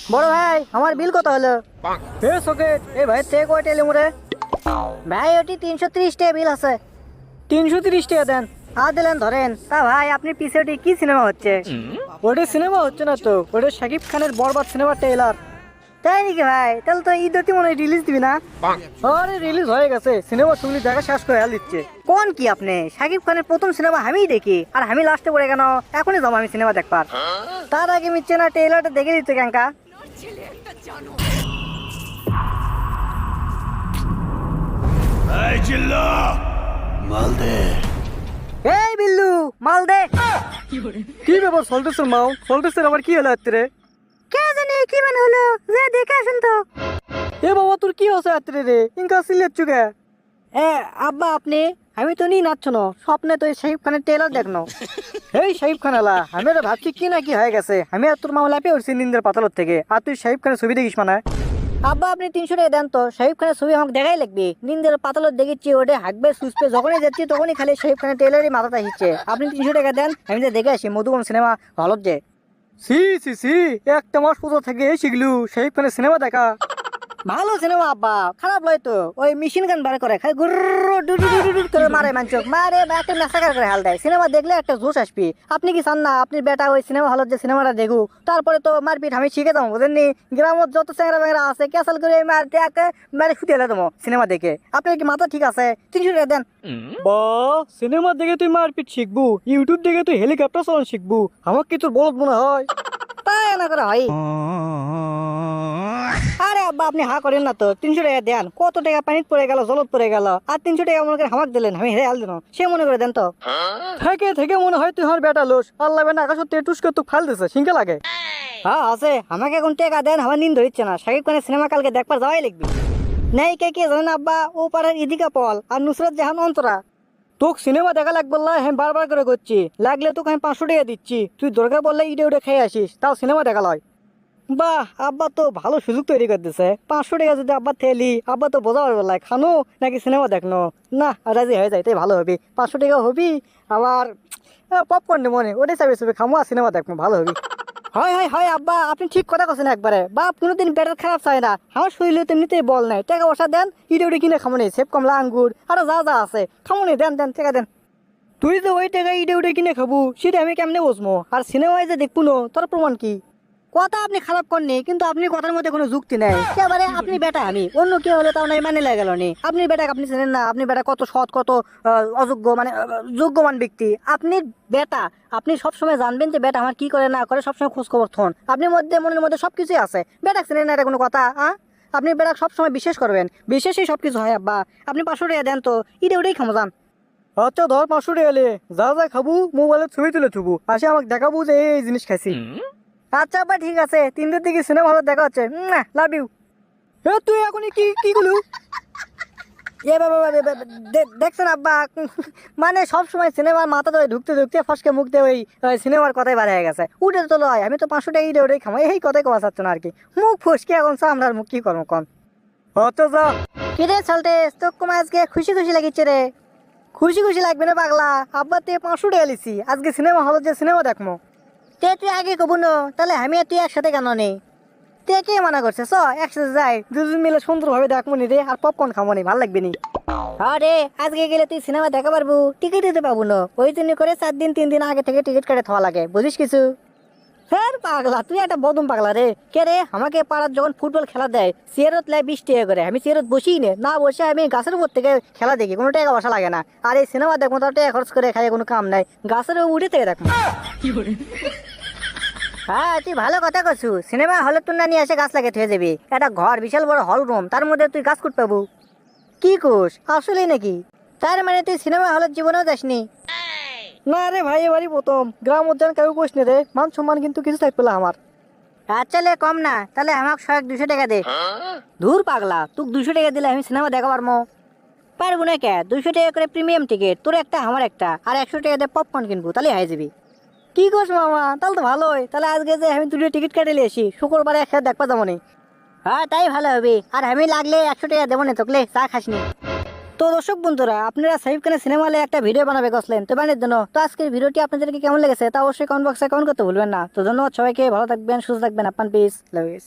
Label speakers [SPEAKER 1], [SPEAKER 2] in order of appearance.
[SPEAKER 1] বড় ভাই আমার বিল কত হলো? এ সকেট এ ভাই তে কয়টা এলি মোরে? ভাই ওটি 330 টাকা বিল আছে। 330 টাকা দেন। আর দিলেন ধরেন। তা ভাই আপনি পিছে ওটি কি সিনেমা হচ্ছে? ওটি সিনেমা হচ্ছে না তো, ওটা শাকিব খানের বরবাদ সিনেমা ট্রেলার। তাই নাকি ভাই? তাহলে তো ঈদে মনে হয় রিলিজ দিবি না? আরে রিলিজ হয়ে গেছে, সিনেমা শুনলি দেখা শেষ করে হেল দিচ্ছে। কোন কি আপনি? শাকিব খানের প্রথম সিনেমা আমিই দেখি, আর আমি লাস্টে পড়ে কেন? এখনই যাবো আমি সিনেমা দেখবার। তার আগে মিচ্ছে না ট্রেলারটা দেখে দিতে ক্যাঙ্কা।
[SPEAKER 2] এই চিল্লা মাল দে।
[SPEAKER 1] এই বিল্লু মাল দে। কি ব্যাপার সল্টেসের মাও? সল্টেসের আবার কি হলো রাত্রে? কে জানে কি মানে হলো, যে দেখে আসেন তো। এ বাবা তোর কি হচ্ছে রাত্রে রে? ইনকা সিলেট চুকে। এ আব্বা আপনি, আমি তো নি নাচছ না, স্বপ্নে তো এই শাহিব খানের ট্রেলার দেখনো। এই শাহিব খান আলা, আমি তো ভাবছি কি না কি হয়ে গেছে। আমি আর তোর মামলা পেয়ে উঠছি নিন্দের পাতালর থেকে, আর তুই শাহিব খানের ছবি দেখিস মানে? আব্বা আপনি 300 টাকা দেন তো, শাহিব খানের ছবি আমাকে দেখাই লাগবে। নিন্দের পাতালর দেখেছি ওটা হাঁকবে সুসপে, যখনই যাচ্ছি তখনই খালি শাহিব খানের ট্রেলারই মাথাটা হিচ্ছে। আপনি 300 টাকা দেন, আমি যে দেখে আসি মধুবন সিনেমা হলত যে। সি সি সি, একটা মাস পর থেকে শিখলু শাহিব খানের সিনেমা দেখা। ভালো সিনেমা আব্বা, খারাপ লয় তো। ওই মেশিন গান বার করে খালি গুরু ডু করে মারে মানচক মারে, একটা মেসাকার করে হাল দেয়। সিনেমা দেখলে একটা জোশ আসবি। আপনি কি চান না আপনি বেটা ওই সিনেমা হলত যে সিনেমাটা দেখু, তারপরে তো মারপিট আমি শিখে যাবো বুঝেননি? গ্রামত যত চ্যাংরা ব্যাংরা আছে ক্যাসাল করে মারে ফুটে এলে তোমার সিনেমা দেখে। আপনার কি মাথা ঠিক আছে? 300 টাকা দেন। বা সিনেমা দেখে তুই মারপিট শিখবু, ইউটিউব দেখে তুই হেলিকপ্টার চালানো শিখবু, আমাকে কি তোর বলত মনে হয়? তাই না করে হয়। আরে আব্বা আপনি হা করেন না তো, 300 টাকা দেন। কত টাকা পানিত পড়ে গেল, জলত পড়ে গেল, আর 300 টাকা মনে করে হামাক দিলেন, আমি হেরে হাল দিন। সে মনে করে দেন তো। থেকে থেকে মনে হয় তুই আমার বেটা লোস, আল্লাহ বেনা আকাশ টুসকে তুই ফাল দিছে সিংকে লাগে। হ্যাঁ আছে, আমাকে এখন টাকা দেন, আমার নিন ধরিচ্ছে না। শাকিব খানের সিনেমা কালকে দেখবার যাওয়াই লিখবি। নেই কে কে জানেন আব্বা, ও পাড়ার ইদিকা পল আর নুসরাত জাহান অন্তরা। তোকে সিনেমা দেখা লাগবে না, আমি বারবার করে করছি। লাগলে তোকে আমি 500 টাকা দিচ্ছি, তুই দরকার বললে ইডে উডে খেয়ে আসিস, তাও সিনেমা দেখা লয়। বাহ আব্বা তো ভালো সুযোগ তৈরি করে দিছে। 500 টাকা যদি আব্বা থেলি, আব্বা তো বোঝা পারবে খানো নাকি সিনেমা দেখনো। না রাজি হয়ে যায়, তাই ভালো হবে। 500 টাকা হবি, আবার পপকর্ন মনে ওটাই চাবি চাবি খামো আর সিনেমা দেখবো, ভালো হবি। হয় হয় হয় আব্বা আপনি ঠিক কথা কৈছেন একবারে। বাপ কোনোদিন পেটের খারাপ চাই না, আমার শরীরে তেমনিতেই বল নাই। টাকা পয়সা দেন, ইডে উডে কিনে খামো নি, সেব কমলা আঙ্গুর আরো যা যা আছে খামো নি, দেন দেন টাকা দেন। তুই যে ওই টাকা ইডে উডে কিনে খাবো সেটা আমি কেমনে বুঝবো? আর সিনেমায় যে দেখবো না তোর প্রমাণ কি? কথা আপনি খারাপ করেননি, কিন্তু আপনি কথার মধ্যে কোনো যুক্তি নেই একেবারে। আপনি বেটা, আমি অন্য কেউ হলে তাও নাই মানে লাগে গেল নি। আপনি বেটা আপনি চেনেন না, আপনি বেটা কত সৎ, কত অযোগ্য মানে যোগ্যমান ব্যক্তি আপনি বেটা। আপনি সবসময় জানবেন যে বেটা আমার কি করে না করে, সবসময় খোঁজ খবর থন। আপনি মধ্যে মনের মধ্যে সবকিছুই আছে। বেটা চেনেন না, এটা কোনো কথা? আপনি বেটা সবসময় বিশ্বাস করবেন, বিশ্বাসই সবকিছু হয় আব্বা। আপনি 500 টাকা দেন তো, ইডে উডেই খামো যান। আচ্ছা ধর 500 টাকা এলে যা যা খাবো মোবাইলে ছবি তুলে থুবু, আসে আমাকে দেখাবো যে এই জিনিস খাইছি। আচ্ছা আব্বা ঠিক আছে, 3টার দিকে সিনেমা হলে দেখা হচ্ছে। Love you. তুই এখন কি কি গুলো এ বাবা দেখছেন আব্বা? মানে সব সময় সিনেমার মাথা ধরে ঢুকতে ঢুকতে ফসকে মুখতে ওই সিনেমার কথাই বার হয়ে গেছে। উঠে তো লয়, আমি তো 500 টাকা ইডে ওটাই খামো, এই কথাই কমা চাচ্ছ না আর কি। মুখ ফসকে এখন আমরা মুখ কি করবো কন? আচ্ছা যা। কিরে চলতে তোর কমা আজকে খুশি খুশি লাগিচ্ছে রে? খুশি খুশি লাগবে না পাগলা, আব্বা তুই 500 টাকা লিছি, আজকে সিনেমা হলে যে সিনেমা দেখবো। তুই আগে কবু ন, তাহলে আমি আর তুই একসাথে কেন নেই? তুই কে মানা করছে? চ একসাথে যাই, দুজন মিলে সুন্দরভাবে দেখবো নি রে, আর পপকর্ন খাবো নি, ভালো লাগবে নি। আরে আজকে গেলে তুই সিনেমা দেখা পারবো, টিকিট দিতে পাবো না। ওই জন্য করে 4 দিন 3 দিন আগে থেকে টিকিট কেটে থাকা লাগে, বুঝিস কিছু? হ্যাঁ পাগলা, তুই একটা বদম পাগলা রে। কে রে, আমাকে পাড়ার যখন ফুটবল খেলা দেয় চেয়ারত লাই 20 টাকা করে, আমি চেয়ারত বসি না বসে আমি গাছের উপর থেকে খেলা দেখি, কোনো টাকা বসা লাগে না। আর এই সিনেমা দেখবো তার টাকা খরচ করে খাই কোনো কাম নাই, গাছের উঠে থেকে দেখবো। হ্যাঁ তুই ভালো কথা কছু, সিনেমা হলে তুই না নিয়ে এসে গাছ লাগিয়ে থয়ে যাবি। একটা ঘর বিশাল বড় হল রুম, তার মধ্যে তুই গাছ কুট পাবো? কি কোষ আসলে নাকি? তার মানে তুই সিনেমা হলের জীবনেও যাসনি? না রে ভাই, এবারই প্রথম। গ্রাম উদ্যান কেউ কোষ নে রে, মান সম্মান কিন্তু কিছু থাকবে না আমার। আচ্ছা লে কম না, তাহলে আমাকে 200 টাকা দে। ধুর পাগলা, তুই 200 টাকা দিলে আমি সিনেমা দেখা পারবো? পারবো না কে? 200 টাকা করে প্রিমিয়াম টিকিট, তোর একটা আমার একটা, আর 100 টাকা দিয়ে পপকর্ন কিনবো, তাহলে হয়ে যাবি। কি করছ মামা, তাহলে তো ভালোই। তাহলে আজকে যে আমি 2টো টিকিট কেটে নিয়ে আসি, শুক্রবারে একসাথে দেখবা যাবো নি। হ্যাঁ তাই ভালো হবে। আর আমি লাগলে 100 টাকা দেবো না তোকলে, চা খাসনি। তো দর্শক বন্ধুরা, আপনারা শাকিব খানের সিনেমা হলে একটা ভিডিও বানাবে গেছিলেন তো বানের জন্য। তো আজকের ভিডিওটি আপনাদেরকে কেমন লেগেছে তা অবশ্যই কমেন্ট বক্সে কমেন্ট করতে ভুলবেন না। তো ধন্যবাদ সবাইকে, ভালো থাকবেন, সুস্থ থাকবেন, আপনার পিস।